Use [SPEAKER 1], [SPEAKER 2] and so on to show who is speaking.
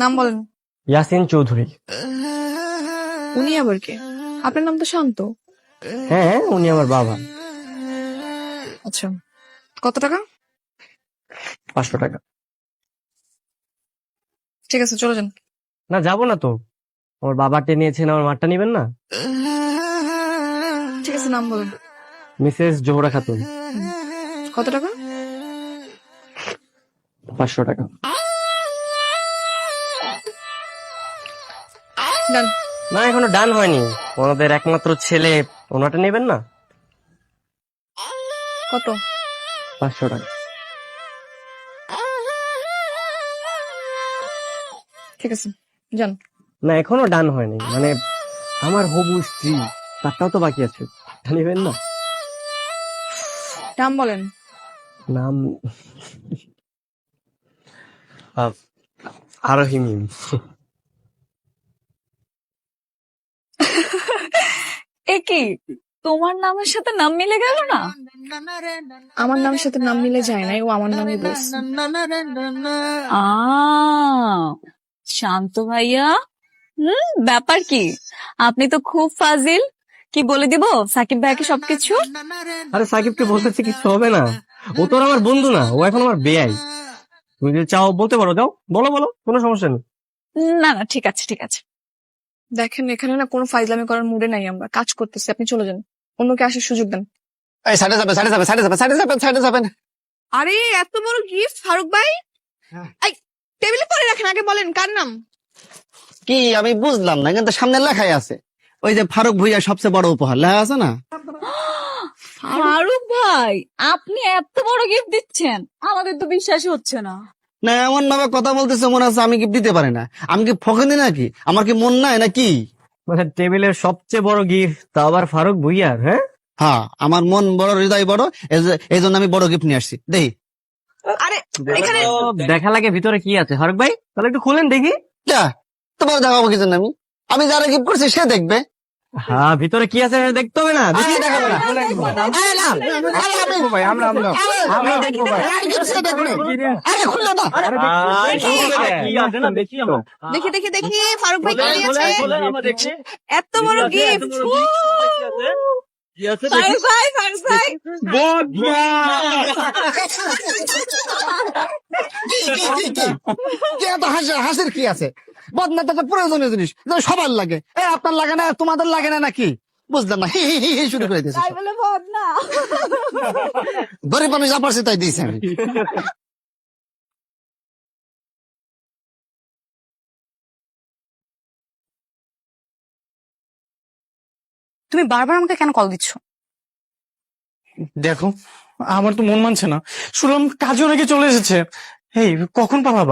[SPEAKER 1] নাম বলেন।
[SPEAKER 2] ইয়াসিন চৌধুরী।
[SPEAKER 1] উনি আবার কে? আপনার নাম তো শান্ত।
[SPEAKER 2] হ্যাঁ, উনি আমার বাবা।
[SPEAKER 1] আচ্ছা, কত টাকা?
[SPEAKER 2] 500 টাকা।
[SPEAKER 1] ঠিক আছে, চলে যান।
[SPEAKER 2] না, যাবো না তো। আমার বাবারটা নিয়েছেন, আমার মারটা নিবেন না?
[SPEAKER 1] ঠিক আছে, নাম বলেন।
[SPEAKER 2] মিসেস জোহরা খাতুন।
[SPEAKER 1] কত টাকা?
[SPEAKER 2] 500 টাকা।
[SPEAKER 1] ডান।
[SPEAKER 2] না, এখনো ডান হয়নি। ওনাদের একমাত্র ছেলে, ওনাটা নেবেন না?
[SPEAKER 1] কত?
[SPEAKER 2] 500 টাকা।
[SPEAKER 1] ঠিক আছে, যান।
[SPEAKER 2] না, এখনো ডান হয়নি। মানে আমার হবু স্ত্রী, তারটাও তো বাকি আছে। এটা নেবেন না?
[SPEAKER 1] নাম বলেন।
[SPEAKER 2] নাম আরহিমি।
[SPEAKER 3] এ কি, তোমার নামের সাথে নাম মিলে গেল না?
[SPEAKER 1] আমার নামের সাথে নাম মিলে যায় নাই, ও আমার নামই বলছে।
[SPEAKER 3] আ শান্ত ভাইয়া, ব্যাপার কি? আপনি তো খুব ফাজিল। কি বলে দিব সাকিব ভাইকে সবকিছু?
[SPEAKER 2] আরে সাকিবকে বলতেছি কিছু হবে না। ও তো আর আমার বন্ধু না, ও এখন আমার বেয়াই। তুমি যদি চাও বলতে পারো, যাও বলো বলো, কোনো সমস্যা নেই।
[SPEAKER 3] না না, ঠিক আছে ঠিক আছে।
[SPEAKER 1] দেখেন, এখানে না কোনো ফাইজলামি করার মুডে নাই, আমরা কাজ করতেছি। আপনি চলে যান, অন্যকে আসার সুযোগ দেন।
[SPEAKER 4] এই সাইডে যাবেন।
[SPEAKER 1] আরে এত বড় গিফট ফারুক ভাই!
[SPEAKER 4] হ্যাঁ।
[SPEAKER 1] এই, টেবিলে পরে রাখেন, আগে বলেন কার নাম।
[SPEAKER 4] কি আমি বুঝলাম না, কিন্তু সামনে লেখাই আছে ওই যে ফারুক ভুইয়া সবচেয়ে বড় উপহার লেখা আছে না?
[SPEAKER 3] ফারুক ভাই, আপনি এত বড় গিফট দিচ্ছেন, আমাদের তো বিশ্বাসই হচ্ছে না।
[SPEAKER 4] না, এমন ভাবে কথা বলতেছে মনে হচ্ছে আমি গিফট দিতে পারি না। আমি কি ফকিনি নাকি? আমার কি মন নাই নাকি?
[SPEAKER 2] মানে টেবিলের সবচেয়ে বড় গিফট, তা আবার ফারুক ভুইয়ার? হ্যাঁ,
[SPEAKER 4] হ্যাঁ, আমার মন বড়, হৃদয় বড়, এই জন্য আমি বড় গিফট নিয়ে আসছি। দেখি
[SPEAKER 1] আরে এখানে
[SPEAKER 2] দেখা লাগে ভিতরে কি আছে। ফারুক ভাই, তাহলে একটু খুলেন দেখি।
[SPEAKER 4] যা, তোমার দেখাবো কি জন্য? আমি যারা গিফট করছি সে দেখবে।
[SPEAKER 2] হ্যাঁ, ভিতরে কি আছে দেখতে হবে না? দেখি,
[SPEAKER 4] আরে, দেখাবো না। আরে, না, আরে, সে দেখবে। আরে, খুললো না।
[SPEAKER 1] দেখি দেখি দেখি ফারুক ভাই কি নিয়েছে। এত বড় গিফট!
[SPEAKER 3] ফারুক ভাই, ফারুক ভাই,
[SPEAKER 4] কি এত হাসির কি আছে? বদনা তো একটা প্রয়োজনীয় জিনিস, যেটা সবার লাগে। আপনার লাগে না, তোমাদের লাগে না নাকি? বুঝলাম না, হি হি হি হি শুরু করে দিয়েছে।
[SPEAKER 3] তাই বলে ভদ না।
[SPEAKER 4] গরিব আমি যা পারছি তাই দিয়েছি আমি।
[SPEAKER 1] তুমি বারবার আমাকে কেন কল দিচ্ছ?
[SPEAKER 5] দেখো, আমার তো মন মানছে না। শুনলাম কাজও নাকি চলে এসেছে। এই কখন পাবা